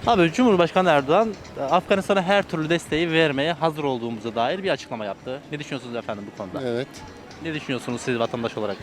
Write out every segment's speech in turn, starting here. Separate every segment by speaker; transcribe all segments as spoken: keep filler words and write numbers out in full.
Speaker 1: Abi Cumhurbaşkanı Erdoğan Afganistan'a her türlü desteği vermeye hazır olduğumuza dair bir açıklama yaptı. Ne düşünüyorsunuz efendim bu konuda?
Speaker 2: Evet.
Speaker 1: Ne düşünüyorsunuz siz vatandaş olarak?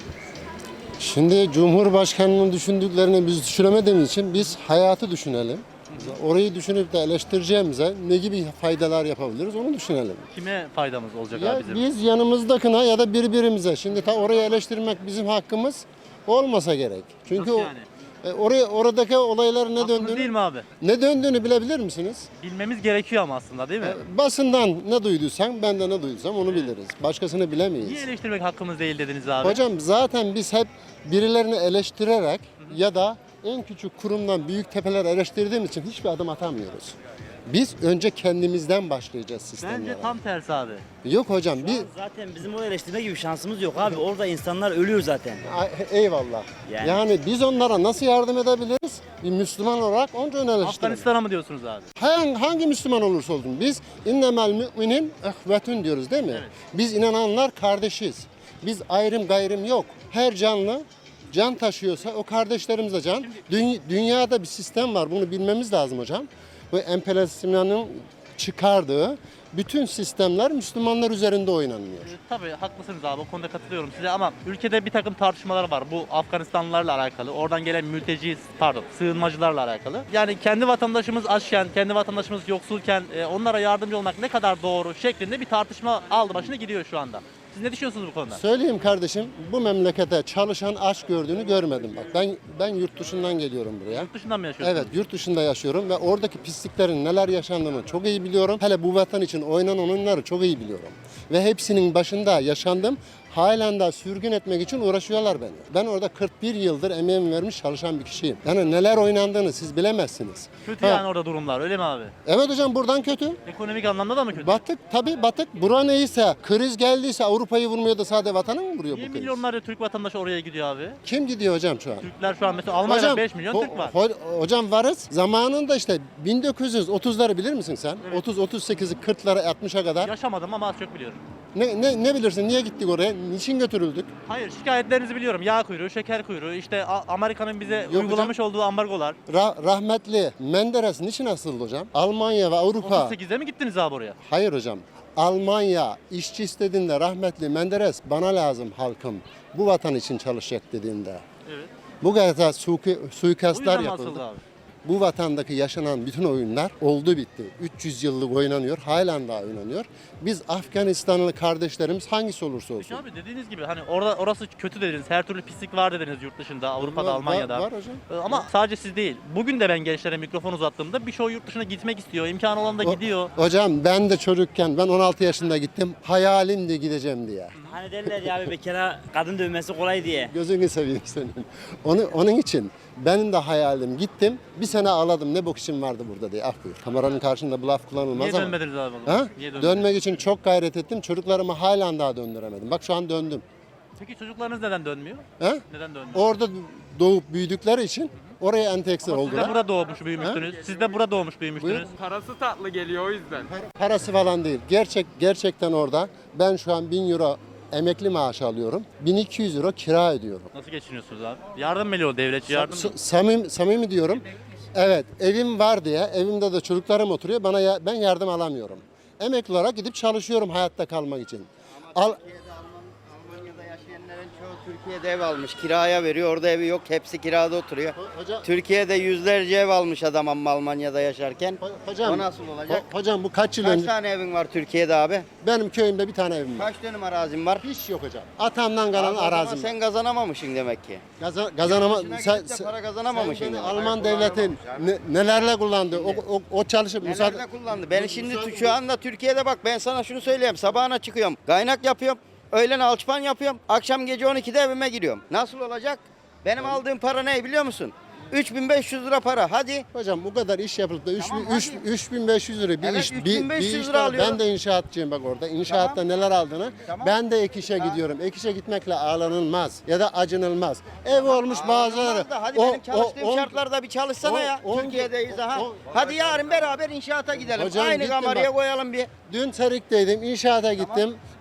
Speaker 2: Şimdi Cumhurbaşkanı'nın düşündüklerini biz düşünemediğimiz için biz hayatı düşünelim. Orayı düşünüp de eleştireceğimize ne gibi faydalar yapabiliriz onu düşünelim.
Speaker 1: Kime faydamız olacak
Speaker 2: Ya
Speaker 1: abi bizim?
Speaker 2: biz yanımızdakine ya da birbirimize. Şimdi ta orayı eleştirmek bizim hakkımız olmasa gerek. Çünkü
Speaker 1: Nasıl
Speaker 2: o,
Speaker 1: yani?
Speaker 2: e, oraya oradaki olayların ne
Speaker 1: Hakkımız
Speaker 2: döndüğünü
Speaker 1: değil mi abi?
Speaker 2: ne döndüğünü bilebilir misiniz?
Speaker 1: Bilmemiz gerekiyor ama aslında değil mi?
Speaker 2: Basından ne duyduysan ben de ne duyduysam onu biliriz. Başkasını bilemeyiz.
Speaker 1: Niye eleştirmek hakkımız değil dediniz abi?
Speaker 2: Hocam zaten biz hep birilerini eleştirerek ya da en küçük kurumdan büyük tepeler eleştirdiğimiz için hiçbir adım atamıyoruz. Biz önce kendimizden başlayacağız sistemlere.
Speaker 1: Bence tam tersi abi.
Speaker 2: Yok hocam bir
Speaker 3: Zaten bizim onu eleştirme gibi şansımız yok abi. Orada insanlar ölüyor zaten.
Speaker 2: Ay, eyvallah. Yani.
Speaker 3: Yani.
Speaker 2: biz onlara nasıl yardım edebiliriz? Bir Müslüman olarak onca eleştirelim.
Speaker 1: Afganistan'a mı diyorsunuz abi?
Speaker 2: Hangi, hangi Müslüman olursa olsun biz innemel müminin ehvetün diyoruz değil mi?
Speaker 1: Evet.
Speaker 2: Biz inananlar kardeşiz. Biz ayrım gayrım yok. Her canlı can taşıyorsa o kardeşlerimize can. Dü- dünyada bir sistem var. Bunu bilmemiz lazım hocam. Bu emperyalizmin çıkardığı bütün sistemler Müslümanlar üzerinde oynanıyor.
Speaker 1: Ee, Tabii haklısınız abi, o konuda katılıyorum size ama ülkede bir takım tartışmalar var bu Afganistanlılarla alakalı, oradan gelen mülteci, pardon sığınmacılarla alakalı. Yani kendi vatandaşımız açken, kendi vatandaşımız yoksulken e, onlara yardımcı olmak ne kadar doğru şeklinde bir tartışma aldı başına gidiyor şu anda. Siz ne düşünüyorsunuz bu konuda?
Speaker 2: Söyleyeyim kardeşim, bu memlekete çalışan aç gördüğünü görmedim bak. Ben ben yurt dışından geliyorum buraya.
Speaker 1: Yurt dışından mı yaşıyorsunuz?
Speaker 2: Evet, yurt dışında yaşıyorum ve oradaki pisliklerin neler yaşandığını çok iyi biliyorum. Hele bu vatan için oynanan oyunları çok iyi biliyorum. Ve hepsinin başında yaşandım. Halen daha sürgün etmek için uğraşıyorlar beni. Ben orada kırk bir yıldır emeğimi vermiş çalışan bir kişiyim. Yani neler oynandığını siz bilemezsiniz.
Speaker 1: Kötü
Speaker 2: Ha,
Speaker 1: yani orada durumlar, öyle mi abi?
Speaker 2: Evet hocam buradan kötü.
Speaker 1: Ekonomik anlamda da mı kötü?
Speaker 2: Batık tabii batık. Bura neyse kriz geldiyse Avrupa'yı vurmuyor da sadece vatanı mı vuruyor
Speaker 1: Niye
Speaker 2: bu kriz?
Speaker 1: milyonlarca Türk vatandaşı oraya gidiyor abi?
Speaker 2: Kim gidiyor hocam şu an?
Speaker 1: Türkler şu an mesela Almanya'da beş milyon
Speaker 2: ho-
Speaker 1: Türk var.
Speaker 2: ho- hocam varız. Zamanında işte bin dokuz yüz otuzları bilir misin sen?
Speaker 1: Evet.
Speaker 2: otuz otuz sekizi kırklara altmışa kadar.
Speaker 1: Yaşamadım ama az çok biliyorum.
Speaker 2: Ne, ne, ne bilirsin? Niye gittik oraya? Niçin götürüldük?
Speaker 1: Hayır, şikayetlerinizi biliyorum. Yağ kuyruğu, şeker kuyruğu, işte A- Amerika'nın bize
Speaker 2: hocam.
Speaker 1: uygulamış olduğu ambargolar.
Speaker 2: Ra- rahmetli Menderes niçin asıldı hocam? Almanya ve Avrupa.
Speaker 1: otuz sekizde mi gittiniz abi oraya?
Speaker 2: Hayır hocam. Almanya işçi istediğinde rahmetli Menderes bana lazım halkım. Bu vatan için çalışacak dediğinde.
Speaker 1: Evet.
Speaker 2: Bu kadar suiki-
Speaker 1: O
Speaker 2: suikastlar
Speaker 1: yüzden mi
Speaker 2: yapıldı.
Speaker 1: asıldı abi?
Speaker 2: Bu vatandaki yaşanan bütün oyunlar oldu bitti. üç yüz yıllık oynanıyor, halen daha oynanıyor. Biz Afganistanlı kardeşlerimiz hangisi olursa
Speaker 1: Peki
Speaker 2: olsun.
Speaker 1: abi dediğiniz gibi hani orada orası kötü dediniz. Her türlü pislik var dediniz yurt dışında, Avrupa'da,
Speaker 2: Var-
Speaker 1: Almanya'da.
Speaker 2: Var, var hocam.
Speaker 1: Ee, Ama sadece siz değil. Bugün de ben gençlere mikrofon uzattığımda birçoğu yurt dışına gitmek istiyor. İmkanı olan da
Speaker 2: O-
Speaker 1: gidiyor.
Speaker 2: Hocam ben de çocukken, ben on altı yaşında gittim. Hayalimdi gideceğim diye.
Speaker 3: Hani derler ya abi bekara kadın dövmesi kolay diye.
Speaker 2: Gözünü seveyim senin. Onu, onun için benim de hayalim gittim. Bir sene ağladım ne bok işim vardı burada diye. Ah buyur. Kameranın karşısında bu laf kullanılmaz
Speaker 1: Niye
Speaker 2: ama.
Speaker 1: dönmediniz abi? o zaman?
Speaker 2: Ha?
Speaker 1: Niye dönmediniz?
Speaker 2: Dönmek için çok gayret ettim. Çocuklarımı halen daha döndüremedim. Bak şu an döndüm.
Speaker 1: Peki çocuklarınız neden dönmüyor?
Speaker 2: Ha?
Speaker 1: Neden dönmüyor?
Speaker 2: Orada doğup büyüdükleri için oraya entegre
Speaker 1: Ama siz de
Speaker 2: oldular.
Speaker 1: burada doğmuş büyümüştünüz. Siz de burada doğmuş büyümüştünüz.
Speaker 4: Parası tatlı geliyor o yüzden.
Speaker 2: Parası falan değil. Gerçek gerçekten orada. Ben şu an bin euro emekli maaşı alıyorum. bin iki yüz euro kira ödüyorum.
Speaker 1: Nasıl geçiniyorsunuz abi? Yardım mı o devletçi yardım mı?
Speaker 2: S- samim, samimi diyorum. Evet, evim var diye, evimde de çocuklarım oturuyor. Bana ya- ben yardım alamıyorum. Emekli olarak gidip çalışıyorum hayatta kalmak için. Al,
Speaker 5: Türkiye'de Alman, Almanya'da yaşayanların çoğu Türkiye'de ev almış. Kiraya veriyor. Orada evi yok. Hepsi kirada oturuyor.
Speaker 2: hocam,
Speaker 5: Türkiye'de yüzlerce ev almış adam ama Almanya'da yaşarken.
Speaker 2: ho- hocam,
Speaker 5: O nasıl olacak?
Speaker 2: ho- hocam bu kaç yıl
Speaker 5: Kaç
Speaker 2: önce?
Speaker 5: tane evin var Türkiye'de abi?
Speaker 2: Benim köyümde bir tane evim var.
Speaker 5: Kaç dönüm arazin var?
Speaker 2: Hiç yok hocam. Atamdan kalan
Speaker 5: Abi o zaman
Speaker 2: arazim.
Speaker 5: sen kazanamamışsın demek ki.
Speaker 2: Kazan, kazanama,
Speaker 5: Başına
Speaker 2: sen,
Speaker 5: gidip de
Speaker 2: sen-
Speaker 5: para kazanamamışsın
Speaker 2: sen beni
Speaker 5: demek.
Speaker 2: Alman devletin ne- nelerle kullandı? O, o, o çalışıp müsaade...
Speaker 5: Nelerde kullandı? Ben şimdi şu anda Türkiye'de bak ben sana şunu söyleyeyim. Sabahına çıkıyorum. Kaynak yapıyorum. Öğlen alçıpan yapıyorum. Akşam gece on ikide evime giriyorum. Nasıl olacak? Benim aldığım para ne biliyor musun? üç bin beş yüz lira para. Hadi.
Speaker 2: Hocam bu kadar iş yapılıp da
Speaker 5: Tamam,
Speaker 2: üç bin beş yüz lira bir
Speaker 5: Evet,
Speaker 2: iş
Speaker 5: üç
Speaker 2: bir,
Speaker 5: bin beş yüz
Speaker 2: bir iş
Speaker 5: lira
Speaker 2: var.
Speaker 5: alıyorum.
Speaker 2: Ben de inşaatçıyım bak orada. İnşaatta
Speaker 5: Tamam.
Speaker 2: neler aldığını.
Speaker 5: Tamam.
Speaker 2: Ben de ek işe gidiyorum. Ek işe gitmekle ağlanılmaz ya da acınılmaz. Ev olmuş bazıları.
Speaker 5: Olmaz da hadi
Speaker 2: O-
Speaker 5: benim çalıştığım
Speaker 2: o- on-
Speaker 5: şartlarda bir çalışsana
Speaker 2: on-
Speaker 5: ya.
Speaker 2: on-
Speaker 5: Türkiye'deyiz ha.
Speaker 2: on-
Speaker 5: Hadi yarın beraber inşaata gidelim.
Speaker 2: Hocam
Speaker 5: Aynı
Speaker 2: gittim
Speaker 5: kameraya
Speaker 2: bak.
Speaker 5: koyalım bir.
Speaker 2: Dün Serik'teydim. İnşaata gittim.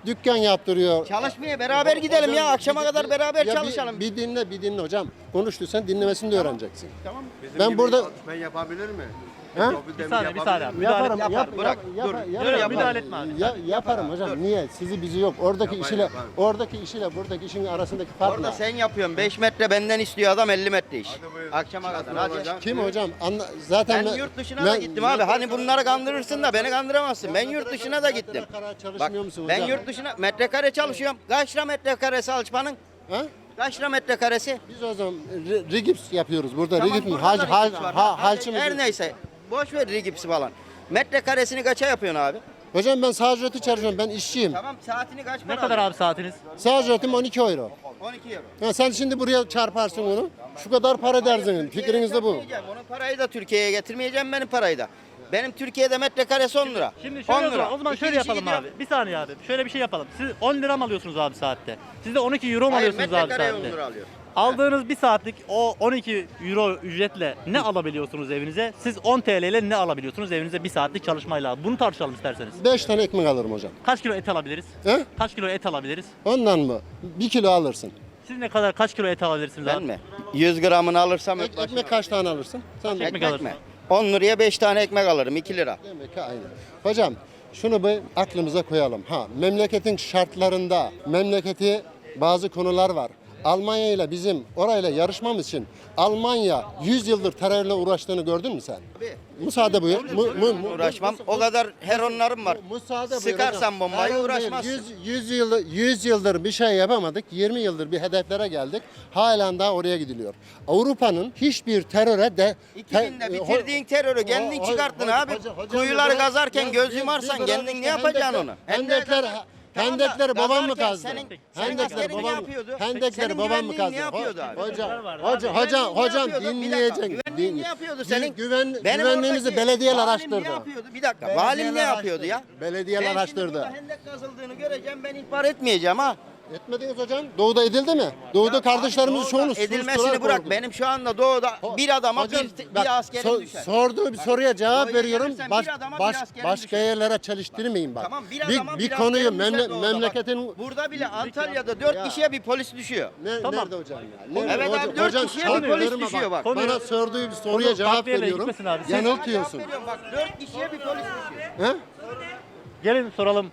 Speaker 2: dükkan yaptırıyor.
Speaker 5: Çalışmaya beraber gidelim ya. Akşama kadar beraber
Speaker 2: Ya bir-
Speaker 5: çalışalım.
Speaker 2: Bir, dinle, bir dinle hocam. Konuştuysan dinlemesini de öğreneceksin.
Speaker 5: Tamam.
Speaker 2: Ben burada
Speaker 6: Ben yapabilir mi?
Speaker 2: Ha?
Speaker 1: Bir saniye bir saniye abi. Müdahale,
Speaker 2: Yaparım,
Speaker 5: Yapar,
Speaker 2: yap,
Speaker 5: bırak,
Speaker 2: yap,
Speaker 5: dur.
Speaker 2: yap,
Speaker 5: Dur,
Speaker 2: yaparım.
Speaker 5: yapar.
Speaker 1: Müdahale etme abi.
Speaker 2: Ya, yaparım hocam. Niye? Sizi bizi yok. Oradaki
Speaker 6: Yapar,
Speaker 2: işle
Speaker 6: yapar.
Speaker 2: oradaki işiyle buradaki işin arasındaki fark
Speaker 5: Orada
Speaker 2: ne?
Speaker 5: sen yapıyorsun. beş metre benden istiyor adam elli metre iş.
Speaker 6: Hadi buyur.
Speaker 5: Akşama kadar.
Speaker 6: Nasıl
Speaker 5: Hadi.
Speaker 6: olacak?
Speaker 2: Kim hocam? Anla, zaten
Speaker 5: Ben yurt dışına da gittim abi. Hani bunları kandırırsın da beni kandıramazsın. Ben yurt dışına da gittim.
Speaker 2: Metrekare çalışmıyor
Speaker 5: Bak
Speaker 2: musun
Speaker 5: ben
Speaker 2: hocam?
Speaker 5: yurt dışına metrekare çalışıyorum. Kaç lira metrekaresi alçmanın?
Speaker 2: Ha?
Speaker 5: Kaç lira metrekaresi?
Speaker 2: Biz o zaman re- rigips yapıyoruz burada.
Speaker 5: Tamam,
Speaker 2: Rigips mi?
Speaker 5: burada
Speaker 2: Hal,
Speaker 5: da
Speaker 2: hal,
Speaker 5: rigips var.
Speaker 2: ha,
Speaker 5: Hadi,
Speaker 2: halçı mı?
Speaker 5: her neyse. Boş ver rigipsi falan. Metrekaresini kaça yapıyorsun abi?
Speaker 2: Hocam ben sağ ücreti çalışıyorum. Ben işçiyim.
Speaker 5: Tamam saatini kaç para
Speaker 1: Ne kadar abi saatiniz?
Speaker 2: Sağ ücretim on iki euro.
Speaker 5: on iki euro.
Speaker 2: Ha, sen şimdi buraya çarparsın onu. Şu kadar para dersin. Fikriniz de bu.
Speaker 5: Getirmeyeceğim. Onun parayı da Türkiye'ye getirmeyeceğim benim parayı da. Benim Türkiye'de metrekaresi on lira.
Speaker 1: Şimdi şöyle
Speaker 5: on
Speaker 1: o zaman,
Speaker 5: lira.
Speaker 1: o zaman
Speaker 5: İki
Speaker 1: şöyle
Speaker 5: kişi
Speaker 1: yapalım
Speaker 5: gidiyor.
Speaker 1: abi. Bir saniye abi. Şöyle bir şey yapalım. Siz on lira mı alıyorsunuz abi saatte? Siz de on iki euro mu
Speaker 5: Hayır
Speaker 1: alıyorsunuz abi
Speaker 5: metrekareye on
Speaker 1: saatte?
Speaker 5: lira alıyor.
Speaker 1: Aldığınız bir saatlik o on iki euro ücretle ne alabiliyorsunuz evinize? Siz on T L ile ne alabiliyorsunuz evinize bir saatlik çalışmayla? Bunu tartışalım isterseniz.
Speaker 2: beş tane ekmek alırım hocam.
Speaker 1: Kaç kilo et alabiliriz?
Speaker 2: He?
Speaker 1: Kaç kilo et alabiliriz?
Speaker 2: Ondan mı? Bir kilo alırsın.
Speaker 1: Siz ne kadar kaç kilo et alabilirsiniz
Speaker 5: Ben
Speaker 1: abi?
Speaker 5: mi? yüz gramını alırsam
Speaker 2: Ek- ekmek kaç tane alırsın? Sen de
Speaker 1: ekmek
Speaker 5: ekmek
Speaker 1: alırsın?
Speaker 5: mi? on liraya beş tane ekmek alırım iki lira.
Speaker 2: Demek ki aynı. Hocam şunu bir aklımıza koyalım. Ha, memleketin şartlarında memleketi bazı konular var. Almanya ile bizim orayla yarışmamız için Almanya yüz yıldır terörle uğraştığını gördün mü sen? Müsaade buyur. Mu, mu, mu,
Speaker 5: Uğraşmam. O kadar heronlarım var.
Speaker 2: Mu- Müsaade buyur
Speaker 5: Sıkarsan
Speaker 2: hocam.
Speaker 5: bombayı
Speaker 2: Hayır,
Speaker 5: uğraşmazsın.
Speaker 2: yüz, yüz, yıl, yüz yıldır bir şey yapamadık. yirmi yıldır bir hedeflere geldik. Halen daha oraya gidiliyor. Avrupa'nın hiçbir teröre de...
Speaker 5: iki binde
Speaker 2: te-
Speaker 5: bitirdiğin terörü kendin
Speaker 2: Ho- ho-
Speaker 5: çıkarttın
Speaker 2: ho-
Speaker 5: abi.
Speaker 2: hoca- hocam
Speaker 5: Kuyuları
Speaker 2: bir bırak-
Speaker 5: kazarken
Speaker 2: ya
Speaker 5: göz
Speaker 2: bir-
Speaker 5: yumarsan
Speaker 2: bir bırak
Speaker 5: kendin
Speaker 2: işte,
Speaker 5: ne yapacaksın onu?
Speaker 2: Hendekler,
Speaker 5: Tamam da
Speaker 2: hendekleri babam mı
Speaker 5: kazarken
Speaker 2: kazdı?
Speaker 5: senin- senin
Speaker 2: Hendekleri
Speaker 5: askerin ne
Speaker 2: babam,
Speaker 5: yapıyordu?
Speaker 2: hendekleri
Speaker 5: Senin
Speaker 2: babam mı
Speaker 5: güvenliğin
Speaker 2: kazdı?
Speaker 5: ne yapıyordu abi?
Speaker 2: Hocam,
Speaker 1: vardı
Speaker 2: hocam,
Speaker 1: abi.
Speaker 2: hocam,
Speaker 5: Güvenliğin ne
Speaker 2: hocam
Speaker 5: yapıyordu? Bir
Speaker 2: dinleyeceksin.
Speaker 5: dakika, güvenliğin
Speaker 2: Din-
Speaker 5: ne yapıyordu
Speaker 2: Gü-
Speaker 5: senin?
Speaker 2: Güven,
Speaker 5: Benim
Speaker 2: güvenliğimizi
Speaker 5: oradaki
Speaker 2: belediyeler
Speaker 5: valim
Speaker 2: araştırdı.
Speaker 5: ne yapıyordu? Bir dakika.
Speaker 2: Belediyeler
Speaker 5: Valim ne yapıyordu
Speaker 2: araştırdı.
Speaker 5: ya?
Speaker 2: Belediyeler
Speaker 5: Ben şimdi
Speaker 2: araştırdı.
Speaker 5: burada hendek kazıldığını göreceğim ben ihbar etmeyeceğim ha.
Speaker 2: Etmediniz hocam. Doğuda edildi mi? Doğuda kardeşlerimizin
Speaker 5: Doğuda
Speaker 2: çoğunu
Speaker 5: edilmesini
Speaker 2: sustular,
Speaker 5: bırak.
Speaker 2: korktu.
Speaker 5: Benim şu anda doğuda bir adama
Speaker 2: Hocam,
Speaker 5: bir,
Speaker 2: bak,
Speaker 5: bir askerim
Speaker 2: so-
Speaker 5: düşer.
Speaker 2: sorduğu bir soruya cevap
Speaker 5: Doğuya
Speaker 2: veriyorum.
Speaker 5: gelirsen
Speaker 2: Baş,
Speaker 5: bir adama bir
Speaker 2: baş,
Speaker 5: askerim
Speaker 2: başka
Speaker 5: düşer.
Speaker 2: yerlere çalıştırmayın bak.
Speaker 5: Tamam bir
Speaker 2: bir,
Speaker 5: adama
Speaker 2: bir
Speaker 5: bir
Speaker 2: konuyu
Speaker 5: askerim düşer
Speaker 2: memle-
Speaker 5: doğuda bak.
Speaker 2: memleketin
Speaker 5: Burada bile Antalya'da dört
Speaker 2: Ya.
Speaker 5: kişiye bir polis düşüyor.
Speaker 2: ne,
Speaker 1: Tamam.
Speaker 2: nerede hocam ya? Nerede?
Speaker 5: Evet
Speaker 2: Hocam-
Speaker 5: abi, dört
Speaker 2: hocam,
Speaker 5: kişiye
Speaker 2: çok
Speaker 5: bir polis
Speaker 2: üzerime
Speaker 5: düşüyor bak.
Speaker 2: Bana
Speaker 1: Konuyu-
Speaker 2: sorduğu bir soruya
Speaker 1: Konu
Speaker 2: cevap
Speaker 1: farklı yerlere
Speaker 2: veriyorum.
Speaker 1: gitmesin abi. Siz-
Speaker 2: Yanıltıyorsun.
Speaker 5: Cevap veriyorum bak dört kişiye bir polis düşüyor.
Speaker 2: He?
Speaker 1: Gelin soralım.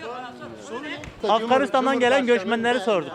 Speaker 1: Afganistan'dan gelen göçmenleri sorduk.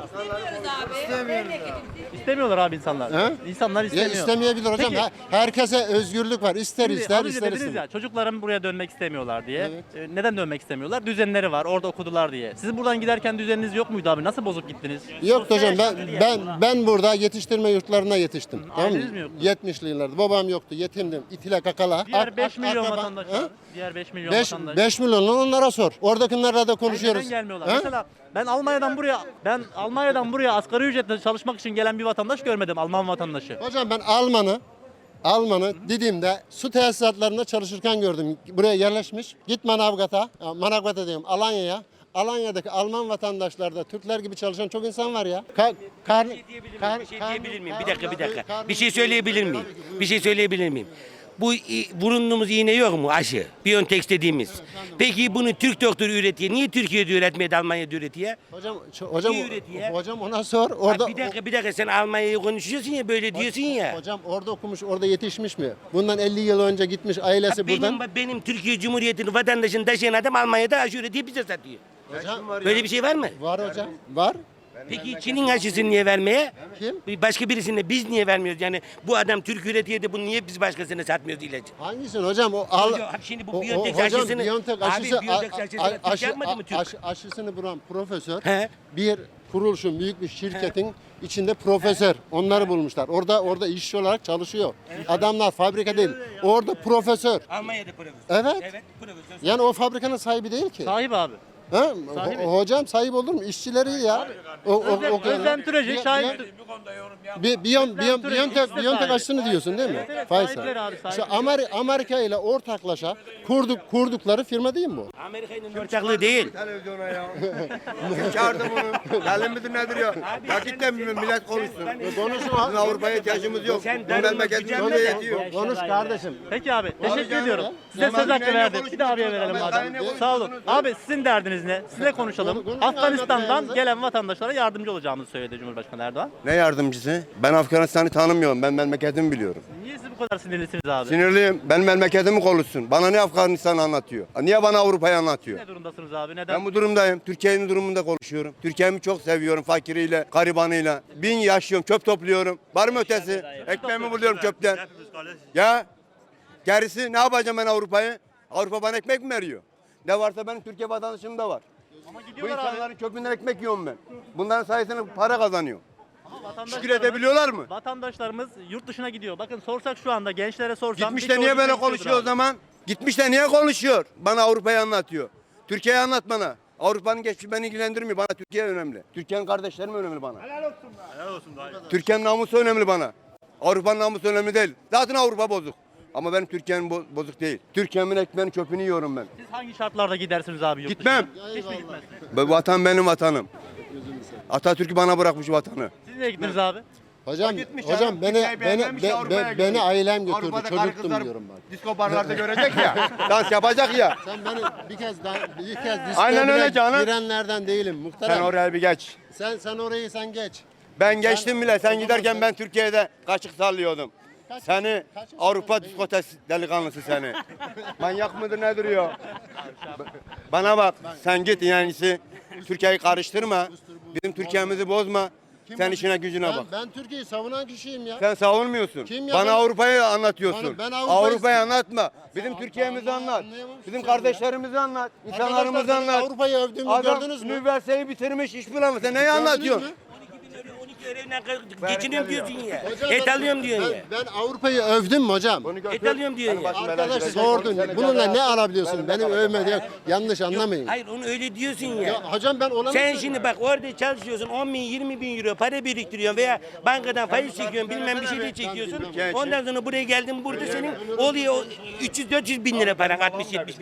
Speaker 1: İstemiyorlar abi insanlar.
Speaker 2: He?
Speaker 1: İnsanlar
Speaker 2: Ya
Speaker 1: istemiyor.
Speaker 2: istemeyebilir hocam.
Speaker 1: Peki.
Speaker 2: Ha- Herkese özgürlük var. İster
Speaker 1: Şimdi
Speaker 2: ister
Speaker 1: az önce
Speaker 2: ister
Speaker 1: dediniz
Speaker 2: ister.
Speaker 1: ya çocuklarım buraya dönmek istemiyorlar diye.
Speaker 2: Evet.
Speaker 1: E, neden dönmek istemiyorlar? Düzenleri var. Orada okudular diye. Sizin buradan giderken düzeniniz yok muydu abi? Nasıl bozup gittiniz?
Speaker 2: Yok
Speaker 1: Sosyal
Speaker 2: hocam ben
Speaker 1: yaşam dedi ya.
Speaker 2: ben ben burada yetiştirme yurtlarına yetiştim. Tamam
Speaker 1: Aileniz
Speaker 2: mı?
Speaker 1: mi yoktu?
Speaker 2: yetmişli yıllarda babam yoktu, yetimdim. İtile kakala.
Speaker 1: Diğer
Speaker 2: Ak-
Speaker 1: beş
Speaker 2: ak-
Speaker 1: milyon
Speaker 2: akraba-
Speaker 1: vatandaş
Speaker 2: Ha?
Speaker 1: var. Diğer beş milyon
Speaker 2: beş
Speaker 1: vatandaş.
Speaker 2: beş milyonu onlara sor. Oradakilerle de konuşuyoruz.
Speaker 1: Neden gelmiyorlar?
Speaker 2: Ha?
Speaker 1: Mesela ben Almanya'dan buraya ben Almanya'dan buraya asgari ücretle çalışmak için gelen bir vatandaş görmedim. Alman vatandaşı.
Speaker 2: Hocam ben Alman'ı Alman'ı Didim'de su tesisatlarında çalışırken gördüm. Buraya yerleşmiş. Git Manavgat'a, ya Manavgat'a diyorum Alanya'ya. Alanya'daki Alman vatandaşlarda Türkler gibi çalışan çok insan var ya. Ka kar, kar,
Speaker 7: Bir şey
Speaker 2: kar-
Speaker 7: diyebilir miyim? Bir
Speaker 2: kar-
Speaker 7: dakika, bir
Speaker 2: kar-
Speaker 7: dakika.
Speaker 2: kar-
Speaker 7: Bir şey söyleyebilir miyim?
Speaker 2: Tabii ki, buyurun.
Speaker 7: Bir şey söyleyebilir miyim? Bu i- bulunduğumuz iğne yok mu aşı? Biontech dediğimiz. Peki bunu Türk doktoru üretiyor. Niye Türkiye'de üretmedi Almanya'da üretiyor?
Speaker 2: Hocam ç- hocam
Speaker 7: Niye üretiyor?
Speaker 2: hocam ona sor. Orada
Speaker 7: Bak bir dakika bir dakika sen Almanya'yı konuşuyorsun ya böyle diyorsun ya.
Speaker 2: Hocam orada okumuş, orada yetişmiş mi? Bundan elli yıl önce gitmiş ailesi
Speaker 7: Benim,
Speaker 2: buradan.
Speaker 7: benim Türkiye Cumhuriyeti'nin vatandaşını taşıyan adam Almanya'da aşı üretiyor bize satıyor.
Speaker 2: Hocam
Speaker 7: Böyle bir şey var mı?
Speaker 2: var hocam. Var.
Speaker 7: Peki Çin'in aşısını niye vermeye?
Speaker 2: Kim?
Speaker 7: Bir Başka birisine biz niye vermiyoruz? Yani bu adam Türk üretiyor da bunu niye biz başkasına satmıyoruz ilacı?
Speaker 2: Hangisini hocam? O al.
Speaker 7: Hocam, şimdi bu
Speaker 2: o- o-
Speaker 7: Biontech
Speaker 2: hocam,
Speaker 7: aşısını-
Speaker 2: Biontech
Speaker 7: Abi,
Speaker 2: aşısı,
Speaker 7: Biontech
Speaker 2: a-
Speaker 7: aşısını
Speaker 2: a-
Speaker 7: Türk
Speaker 2: aşı-
Speaker 7: yapmadı mı Türk?
Speaker 2: aşı- aşısını bulan profesör
Speaker 7: He.
Speaker 2: bir kuruluşun büyük bir şirketin içinde profesör. Onları bulmuşlar. Orada orada işçi olarak çalışıyor. Adamlar fabrika değil. Orada profesör.
Speaker 7: Almanya'da profesör.
Speaker 2: Evet.
Speaker 7: Evet profesör.
Speaker 2: Yani o fabrikanın sahibi değil ki.
Speaker 1: Sahip abi.
Speaker 2: Ha?
Speaker 1: Sahibi.
Speaker 2: Ho- hocam sahip olur mu? İşçileri ya. O, o,
Speaker 1: Özlem,
Speaker 2: o-
Speaker 1: Özlem Türeci
Speaker 2: Bi-
Speaker 1: şahit.
Speaker 2: Bi- Bi- Biyon, biyon,
Speaker 1: Türeci
Speaker 2: Biontech,
Speaker 1: ikisi de
Speaker 2: Biontech
Speaker 1: sahibi.
Speaker 2: aşısını diyorsun değil mi?
Speaker 1: Evet, evet,
Speaker 2: Faysal.
Speaker 1: sahipleri abi,
Speaker 2: İşte
Speaker 1: sahipleri.
Speaker 2: Amer- Amerika ile ortaklaşa kurduk, kurdukları firma değil mi bu?
Speaker 7: Amerika'nın ortaklığı değil.
Speaker 6: Televizyona ya. Kim çağırdı bunu? Gelin midir nedir ya? Vakitten millet konuşsun.
Speaker 2: Konuşun
Speaker 6: Bizim Avrupa'ya ihtiyacımız yok.
Speaker 7: Sen
Speaker 6: Bu
Speaker 7: darılma,
Speaker 6: memleketimize
Speaker 7: gücenme de-
Speaker 6: yetiyor.
Speaker 2: Konuş kardeşim.
Speaker 1: Peki abi teşekkür
Speaker 2: canım
Speaker 1: ediyorum.
Speaker 2: ya.
Speaker 1: Size
Speaker 6: Normal
Speaker 1: söz hakkı
Speaker 6: dünyayla
Speaker 1: verdim. Bir de abiye
Speaker 6: konuşmuyoruz
Speaker 1: verelim
Speaker 6: ama
Speaker 1: madem.
Speaker 6: ben ne
Speaker 1: Sağ olun.
Speaker 6: konuşuyorsunuz?
Speaker 1: Abi sizin derdiniz derdiniz ne? Size konuşalım.
Speaker 2: Konu- konuşun,
Speaker 1: Afganistan'dan
Speaker 2: anlatın
Speaker 1: gelen vatandaşlara yardımcı olacağımızı söyledi Cumhurbaşkanı Erdoğan.
Speaker 6: Ne yardımcısı? Ben Afganistan'ı tanımıyorum. Ben memleketimi biliyorum.
Speaker 1: Niye siz bu kadar sinirlisiniz abi?
Speaker 6: Sinirliyim. Ben memleketimi konuşsun. Bana ne Afganistan'ı anlatıyor? Niye bana Avrupa'yı anlatıyor?
Speaker 1: Ne durumdasınız abi? Neden?
Speaker 6: Ben bu durumdayım. Türkiye'nin durumunda konuşuyorum. Türkiye'mi çok seviyorum fakiriyle, garibanıyla. Bin yaşıyorum, çöp topluyorum. Var mı ötesi? Ekmeğimi buluyorum çöpten. Ya gerisi ne yapacağım ben Avrupa'yı? Avrupa bana ekmek mi veriyor? Ne varsa benim Türkiye vatandaşım da var.
Speaker 1: Ama
Speaker 6: Bu
Speaker 1: gidiyorlar abi.
Speaker 6: insanların çöpünden ekmek yiyorum ben. Bunların sayesinde para kazanıyor.
Speaker 1: Ama vatandaşlarımız-
Speaker 6: Şükür edebiliyorlar mı?
Speaker 1: Vatandaşlarımız yurt dışına gidiyor. Bakın sorsak şu anda gençlere sorsam.
Speaker 6: Gitmiş
Speaker 1: bir
Speaker 6: de niye
Speaker 1: çocuk
Speaker 6: böyle
Speaker 1: bekliyordur
Speaker 6: konuşuyor o
Speaker 1: abi.
Speaker 6: zaman? Gitmiş de niye konuşuyor? Bana Avrupa'yı anlatıyor. Türkiye'yi anlat bana. Avrupa'nın geçmişi beni ilgilendirmiyor. Bana Türkiye önemli. Türkiye'nin kardeşlerim önemli bana. Helal olsun be. Helal olsun dayı. Türkiye'nin namusu önemli bana. Avrupa'nın namusu önemli değil. Zaten Avrupa bozuk. Ama benim Türkiye'nin bo- bozuk değil. Türkiye'min ekmeğini çöpünü yiyorum ben.
Speaker 1: Siz hangi şartlarda gidersiniz abi yurt
Speaker 6: Gitmem.
Speaker 1: dışına? Hiç mi gitmezsiniz?
Speaker 6: Bu vatan benim vatanım. Atatürk'ü bana bırakmış vatanı.
Speaker 1: Siz nereye gittiniz abi?
Speaker 2: Hocam,
Speaker 6: Gitmiş
Speaker 2: hocam
Speaker 6: canım,
Speaker 2: beni
Speaker 6: Türkiye'yi
Speaker 2: beni
Speaker 6: beğenmemiş,
Speaker 2: be-
Speaker 6: Avrupa'ya
Speaker 2: be-
Speaker 6: gidiyor.
Speaker 2: beni ailem götürdü.
Speaker 6: Avrupa'da karı
Speaker 2: Çocuktum
Speaker 6: kızlar
Speaker 2: diyorum ben.
Speaker 6: Disko barlarda görecek ya. Dans yapacak ya.
Speaker 2: Sen beni bir kez daha bir kez diskoya
Speaker 6: Aynen
Speaker 2: bile
Speaker 6: öyle canım.
Speaker 2: girenlerden değilim muhterem.
Speaker 6: Sen oraya bir geç.
Speaker 2: Sen sen orayı sen geç.
Speaker 6: Ben geçtim bile.
Speaker 2: o
Speaker 6: Sen
Speaker 2: zaman
Speaker 6: giderken
Speaker 2: sen-
Speaker 6: ben Türkiye'de kaşık sallıyordum.
Speaker 2: Kaç-
Speaker 6: Seni
Speaker 2: kaç yaşındasın
Speaker 6: Avrupa
Speaker 2: benim?
Speaker 6: diskotesi delikanlısı seni. Manyak mıdır nedir ya? Bana bak sen git yani Türkiye'yi karıştırma. Bizim Türkiye'mizi bozma.
Speaker 2: Kim
Speaker 6: Sen
Speaker 2: bu-
Speaker 6: işine gücüne
Speaker 2: ben,
Speaker 6: bak.
Speaker 2: Ben Türkiye'yi savunan kişiyim ya.
Speaker 6: Sen savunmuyorsun.
Speaker 2: Kim ya?
Speaker 6: Bana
Speaker 2: Ben-
Speaker 6: Avrupa'yı anlatıyorsun.
Speaker 2: Bana- ben Avrupa'yı-
Speaker 6: Avrupa'yı anlatma. Bizim
Speaker 2: Sen
Speaker 6: Türkiye'mizi
Speaker 2: Avrupa'yı
Speaker 6: anlat.
Speaker 2: anlayamamışsın
Speaker 6: Bizim
Speaker 2: sen
Speaker 6: kardeşlerimizi anlat. İnsanlarımızı
Speaker 2: Arkadaşlar, senin
Speaker 6: anlat.
Speaker 2: Avrupa'yı övdüğümü
Speaker 6: Adam
Speaker 2: gördünüz mü?
Speaker 6: üniversiteyi bitirmiş iş bulamıyor. Sen neyi
Speaker 2: Gördünüz
Speaker 6: anlatıyorsun?
Speaker 2: mü?
Speaker 7: on iki öğrenle geçiniyorum diyorsun ya.
Speaker 2: Hocam
Speaker 7: Et
Speaker 2: ben-
Speaker 7: alıyorum diyorsun
Speaker 2: ben,
Speaker 7: ya.
Speaker 2: Ben Avrupa'yı övdüm mü hocam?
Speaker 6: Bunu götür.
Speaker 7: Et alıyorum diyorsun
Speaker 6: Benim
Speaker 7: ya.
Speaker 6: başıma belaya
Speaker 2: Arkadaş
Speaker 6: girecek.
Speaker 2: sordun.
Speaker 6: Seni
Speaker 2: Bununla
Speaker 6: cezaya-
Speaker 2: ne alabiliyorsun? Benim övme diye yanlış anlamayın.
Speaker 7: Hayır onu öyle diyorsun ya.
Speaker 2: Ya hocam ben ona
Speaker 7: Sen şimdi bak orada çalışıyorsun on bin yirmi bin euro para biriktiriyorsun veya bankadan faiz çekiyorsun bilmem bir şey de çekiyorsun. Ondan sonra buraya geldin burada senin oluyor üç yüz dört yüz bin lira paran altmış yetmiş